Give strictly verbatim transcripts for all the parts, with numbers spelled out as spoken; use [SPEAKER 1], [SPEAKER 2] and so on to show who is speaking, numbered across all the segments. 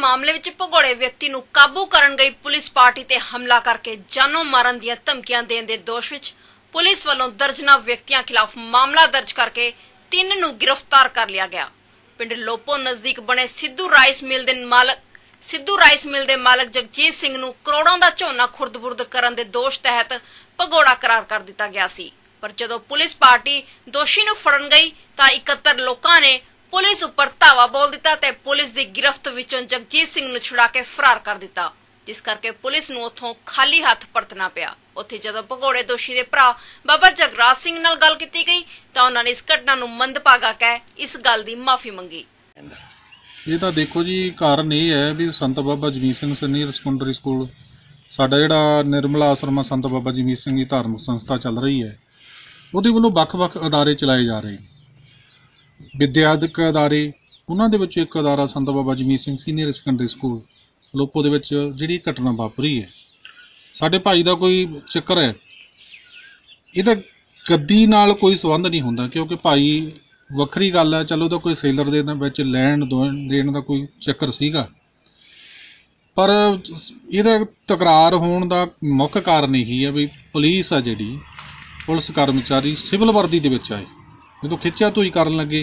[SPEAKER 1] मामले विच भगौड़े व्यक्ति नूं काबू करन गई पुलिस पार्टी ते हमला करके जानों मारन दीआं धमकियां देण दे दोष विच पुलिस वालों दर्जनां व्यक्तियों खिलाफ मामला दर्ज करके तीन नूं गिरफ्तार कर लिया गया। पिंड लोपो नजदीक बने सिद्धू राइस मिल दे मालक सिद्धू राइस मिल दे मालक जगजीत सिंह नूं करोड़ों दा झोना खुर्द-बुर्द करन दे दोष तहत भगौड़ा करार कर दिता गया सी। पर जदों पुलिस पार्टी दोषी नूं फड़न गई तां इकहत्तर लोकां ने पुलिस उपर धावा बोल दिता ते पुलिस दी गिरफ्त विचों जगजीत सिंह नूं छुड़ा के फरार कर दिता, जिस करके पुलिस नूं उत्थों खाली हथ परतना पिया। उत्थे जदों भगौड़े दोषी दे भरा बाबा जगराज सिंह नाल गल कीती गई तां उन्हां ने इस घटना नूं मंदभागा कह इस गल दी माफी मंगी।
[SPEAKER 2] ये तो देखो जी, कारण ये है भी Sant Baba Jagjit Singh senior secondary school साडा जिहड़ा निर्मला आश्रम संत बाबा जगजीत सिंह दी धार्मिक संस्था चल रही है, ਉਹਦੇ ਵੱਲੋਂ ਵੱਖ-ਵੱਖ ਅਦਾਰੇ ਚਲਾਏ ਜਾ ਰਹੇ ਨੇ। ਵਿਦਿਆਦਿਕ ਅਦਾਰੇ ਉਹਨਾਂ ਦੇ ਵਿੱਚ ਇੱਕ ਅਦਾਰਾ Sant Baba Jagjit Singh senior secondary school Lopo ਦੇ ਵਿੱਚ ਜਿਹੜੀ ਘਟਨਾ ਵਾਪਰੀ ਹੈ, ਸਾਡੇ ਭਾਈ ਦਾ ਕੋਈ ਚੱਕਰ ਹੈ, ਇਹਦਾ ਗੱਦੀ ਨਾਲ ਕੋਈ ਸੰਬੰਧ ਨਹੀਂ ਹੁੰਦਾ ਕਿਉਂਕਿ ਭਾਈ ਵੱਖਰੀ ਗੱਲ ਹੈ। ਚਲੋ ਤਾਂ ਕੋਈ ਸੇਲਰ ਦੇ ਵਿੱਚ ਲੈਣ ਦੇਣ ਦਾ ਕੋਈ ਚੱਕਰ ਸੀਗਾ, ਪਰ ਇਹਦਾ ਤਕਰਾਰ ਹੋਣ ਦਾ ਮੁੱਖ ਕਾਰਨ ਇਹੀ ਹੈ ਵੀ ਪੁਲਿਸ ਆ ਜਿਹੜੀ पुलिस कर्मचारी सिविल वर्दी दे विच आए जो खिच्चा धोई करन लगे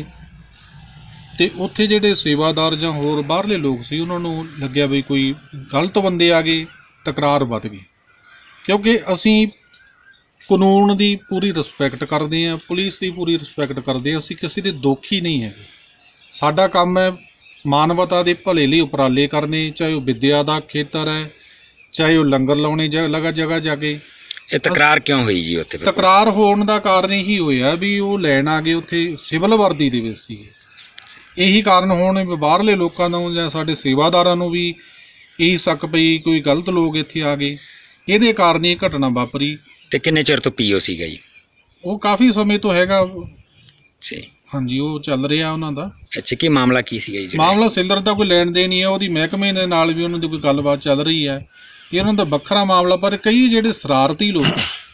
[SPEAKER 2] तो उत्थे जिहड़े सेवादार जां होर बाहरले लोग सी उन्हां नूं लग्गिया भी कोई गलत बंदे आ गए, तकरार वध गई। क्योंकि असीं कानून की पूरी रिस्पैक्ट करते हैं, पुलिस की पूरी रिस्पैक्ट करते हैं, असीं किसी दे दोखी नहीं है। साडा काम है मानवता के भले लिए उपराले करने, चाहे वह विद्या का खेतर है, चाहे वह लंगर लाने जगह जगह जाके।
[SPEAKER 3] ਇਹ ਤਕਰਾਰ ਕਿਉਂ ਹੋਈ ਜੀ ਉੱਥੇ?
[SPEAKER 2] ਤਕਰਾਰ ਹੋਣ ਦਾ ਕਾਰਨ ਇਹੀ ਹੋਇਆ ਵੀ ਉਹ ਲੈਣ ਆ ਗਏ ਉੱਥੇ ਸਿਵਲ ਵਰਦੀ ਦੇ ਵਿੱਚ ਸੀਗੇ। ਇਹੀ ਕਾਰਨ ਹੋਣ ਬਾਹਰਲੇ ਲੋਕਾਂ ਨੂੰ ਜਾਂ ਸਾਡੇ ਸੇਵਾਦਾਰਾਂ ਨੂੰ ਵੀ ਇਹੀ ਸ਼ੱਕ ਪਈ ਕੋਈ ਗਲਤ ਲੋਕ ਇੱਥੇ ਆ ਗਏ, ਇਹਦੇ ਕਾਰਨ ਇਹ ਘਟਨਾ ਵਾਪਰੀ।
[SPEAKER 3] ਤੇ ਕਿੰਨੇ ਚਿਰ ਤੋਂ ਪੀਓ ਸੀਗਾ ਜੀ?
[SPEAKER 2] ਉਹ ਕਾਫੀ ਸਮੇਂ ਤੋਂ ਹੈਗਾ
[SPEAKER 3] ਜੀ। ਹਾਂਜੀ,
[SPEAKER 2] ਉਹ ਚੱਲ ਰਿਹਾ ਉਹਨਾਂ ਦਾ।
[SPEAKER 3] ਅੱਛਾ, ਕੀ ਮਾਮਲਾ ਕੀ ਸੀਗਾ ਜੀ?
[SPEAKER 2] ਮਾਮਲਾ ਸੇਲਰ ਦਾ ਕੋਈ ਲੈਣ ਦੇਣ ਨਹੀਂ ਹੈ, ਉਹਦੀ ਮਹਿਕਮੇ ਦੇ ਨਾਲ ਵੀ ਉਹਨਾਂ ਦੀ ਕੋਈ ਗੱਲਬਾਤ ਚੱਲ ਰਹੀ ਹੈ, ਇਹ ਉਹਨਾਂ ਦਾ ਵੱਖਰਾ ਮਾਮਲਾ। ਪਰ ਕਈ ਜਿਹੜੇ ਸ਼ਰਾਰਤੀ ਲੋਕ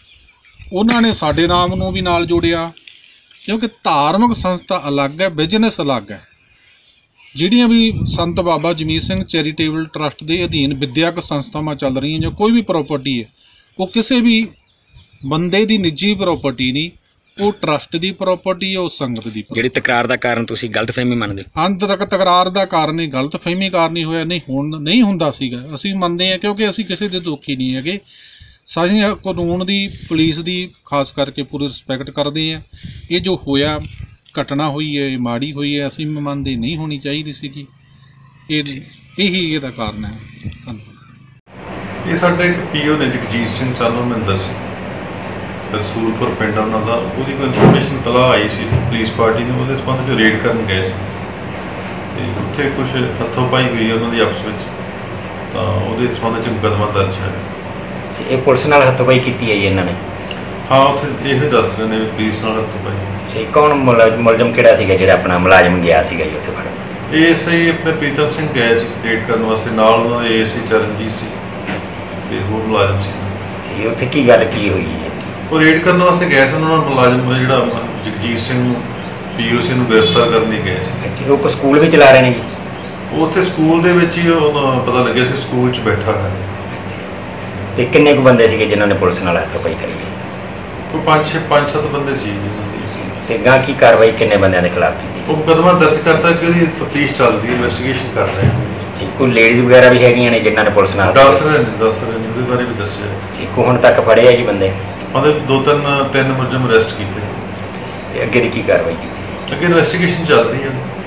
[SPEAKER 2] ਉਹਨਾਂ ਨੇ ਸਾਡੇ ਨਾਮ ਨੂੰ ਵੀ ਨਾਲ ਜੋੜਿਆ, ਕਿਉਂਕਿ ਧਾਰਮਿਕ ਸੰਸਥਾ ਅਲੱਗ ਹੈ, ਬਿਜ਼ਨਸ ਅਲੱਗ ਹੈ। ਜਿਹੜੀਆਂ ਵੀ ਸੰਤ ਬਾਬਾ ਜਗਜੀਤ ਸਿੰਘ ਚੈਰੀਟੇਬਲ ਟਰਸਟ ਦੇ ਅਧੀਨ ਵਿਦਿਅਕ ਸੰਸਥਾਵਾਂ ਚੱਲ ਰਹੀਆਂ ਜਾਂ ਕੋਈ ਵੀ ਪ੍ਰੋਪਰਟੀ ਹੈ, ਉਹ ਕਿਸੇ ਵੀ ਬੰਦੇ ਦੀ ਨਿੱਜੀ ਪ੍ਰੋਪਰਟੀ ਨਹੀਂ, ਉਹ ਟਰਸਟ ਦੀ ਪ੍ਰੋਪਰਟੀ ਹੈ, ਉਹ ਸੰਗਤ ਦੀ।
[SPEAKER 3] ਜਿਹੜੀ ਤਕਰਾਰ ਦਾ ਕਾਰਨ ਤੁਸੀਂ ਗਲਤਫਹਿਮੀ ਮੰਨਦੇ ਹੋ?
[SPEAKER 2] ਅੰਤ ਤੱਕ ਤਕਰਾਰ ਦਾ ਕਾਰਨ ਹੀ ਗਲਤਫਹਿਮੀ ਕਾਰਨ ਹੀ ਹੋਇਆ, ਨਹੀਂ ਹੁਣ ਨਹੀਂ ਹੁੰਦਾ ਸੀਗਾ। ਅਸੀਂ ਮੰਨਦੇ ਹਾਂ ਕਿਉਂਕਿ ਅਸੀਂ ਕਿਸੇ ਦੇ ਦੋਖੀ ਨਹੀਂ ਹੈਗੇ। ਅਸੀਂ ਕਾਨੂੰਨ ਦੀ, ਪੁਲਿਸ ਦੀ ਖਾਸ ਕਰਕੇ ਪੂਰੀ ਰਿਸਪੈਕਟ ਕਰਦੇ ਹਾਂ। ਇਹ ਜੋ ਹੋਇਆ ਘਟਨਾ ਹੋਈ ਹੈ, ਇਹ ਮਾੜੀ ਹੋਈ ਹੈ, ਅਸੀਂ ਮੰਨਦੇ ਨਹੀਂ ਹੋਣੀ ਚਾਹੀਦੀ ਸੀਗੀ। ਇਹ ਇਹੀ ਇਹਦਾ ਕਾਰਨ ਹੈ। ਧੰਨਵਾਦ।
[SPEAKER 4] ਇਹ ਸਾਡਾ ਇੱਕ ਪੀਓ ਨੇ ਜਗਜੀਤ ਸਿੰਘ ਸਾਨੂੰ ਮਹਿੰਦਰ ਸਿੰਘ ਰਸੂਲਪੁਰ ਪਿੰਡ ਉਹਨਾਂ ਦਾ, ਉਹਦੀ ਕੋਈ ਇਨਫੋਰਮੇਸ਼ਨ ਤਲਾਹ ਆਈ ਸੀ ਪੁਲਿਸ ਪਾਰਟੀ ਨੇ, ਉਹਦੇ ਸੰਬੰਧ 'ਚ ਰੇਡ ਕਰਨ ਗਏ ਸੀ ਅਤੇ ਉੱਥੇ ਕੁਛ ਹੱਥੋਂ ਪਾਈ ਹੋਈ ਉਹਨਾਂ ਦੀ ਆਪਸ ਵਿੱਚ, ਤਾਂ ਉਹਦੇ ਸੰਬੰਧ 'ਚ ਮੁਕੱਦਮਾ ਦਰਜ ਹੈ।
[SPEAKER 3] ਇਹ ਪੁਲਿਸ ਨਾਲ ਹੱਥੋਂ ਪਾਈ ਕੀਤੀ ਹੈ ਜੀ ਇਹਨਾਂ ਨੇ?
[SPEAKER 4] ਹਾਂ, ਉੱਥੇ ਇਹੋ ਦੱਸ ਰਹੇ ਨੇ ਵੀ ਪੁਲਿਸ ਨਾਲ ਹੱਥੋਂ ਪਾਈ।
[SPEAKER 3] ਜੀ, ਕੌਣ ਮੁਲਜ਼ਮ ਕਿਹੜਾ ਸੀਗਾ ਜਿਹੜਾ ਆਪਣਾ ਮੁਲਾਜ਼ਮ ਗਿਆ ਸੀਗਾ ਜੀ ਉੱਥੇ ਫੜਨ?
[SPEAKER 4] ਏ ਐਸ ਆਈ ਆਪਣੇ ਪ੍ਰੀਤਮ ਸਿੰਘ ਗਏ ਸੀ ਰੇਡ ਕਰਨ ਵਾਸਤੇ, ਨਾਲ ਉਹਨਾਂ ਦੇ ਏ ਐਸ ਆਈ ਚਰਨਜੀਤ ਸੀ ਅਤੇ ਹੋਰ ਮੁਲਾਜ਼ਮ ਸੀ
[SPEAKER 3] ਜੀ। ਉੱਥੇ ਕੀ ਗੱਲ ਕੀ ਹੋਈ ਹੈ?
[SPEAKER 4] ਉਹ ਰੇਡ ਕਰਨ ਵਾਸਤੇ ਗਏ ਸੀ, ਉਹਨਾਂ ਨਾਲ ਮੁਲਾਜ਼ਮ ਜਿਹੜਾ ਜਗਜੀਤ ਸਿੰਘ ਨੂੰ ਪੀ ਓ ਸੀ ਨੂੰ ਗ੍ਰਿਫਤਾਰ ਕਰਨ ਲਈ ਗਏ ਸੀ।
[SPEAKER 3] ਅੱਛਾ, ਉਹ ਸਕੂਲ ਵਿੱਚ ਚਲਾ ਰਹੇ ਨੇ ਜੀ?
[SPEAKER 4] ਉਹ ਉੱਥੇ ਸਕੂਲ ਦੇ ਵਿੱਚ ਹੀ ਪਤਾ ਲੱਗਿਆ ਸੀ ਸਕੂਲ 'ਚ ਬੈਠਾ ਹੈ।
[SPEAKER 3] ਤੇ ਕਿੰਨੇ ਕੁ ਬੰਦੇ ਸੀਗੇ ਜਿਨ੍ਹਾਂ ਨੇ ਪੁਲਿਸ ਨਾਲ ਹੱਥੋਂ ਪਾਈ ਕਰੀ?
[SPEAKER 4] ਉਹ ਪੰਜ ਛੇ ਪੰਜ ਸੱਤ ਬੰਦੇ ਸੀ।
[SPEAKER 3] ਤੇ ਗਾਂ ਕੀ ਕਾਰਵਾਈ ਕਿੰਨੇ ਬੰਦਿਆਂ ਦੇ ਖਿਲਾਫ ਕੀਤੀ?
[SPEAKER 4] ਉਹ ਮੁਕੱਦਮਾ ਦਰਜ ਕਰਤਾ ਕਿ ਉਹਦੀ ਤਫਤੀਸ਼ ਚੱਲ ਰਹੀ ਹੈ, ਇਨਵੈਸਟੀਗੇਸ਼ਨ ਕਰ ਰਹੇ ਨੇ
[SPEAKER 3] ਜੀ। ਕੋਈ ਲੇਡੀਜ਼ ਵਗੈਰਾ ਵੀ ਹੈਗੀਆਂ ਨੇ ਜਿਨ੍ਹਾਂ ਨੇ ਪੁਲਿਸ ਨਾਲ?
[SPEAKER 4] ਦੱਸ ਰਹੇ ਨੇ ਦੱਸ ਰਹੇ ਨੇ ਉਹਦੇ ਬਾਰੇ ਵੀ ਦੱਸਿਆ
[SPEAKER 3] ਜੀ। ਕੋ ਹੁਣ ਤੱਕ ਫੜੇ ਆ ਜੀ ਬੰਦੇ?
[SPEAKER 4] ਉਹਦੇ ਦੋ ਤਿੰਨ ਤਿੰਨ ਮੁਲਜ਼ਮ ਅਰੈਸਟ ਕੀਤੇ।
[SPEAKER 3] ਤੇ ਅੱਗੇ ਦੀ ਕੀ ਕਾਰਵਾਈ ਕੀਤੀ?
[SPEAKER 4] ਅੱਗੇ ਇਨਵੈਸਟੀਗੇਸ਼ਨ ਚੱਲ ਰਹੀ ਹੈ।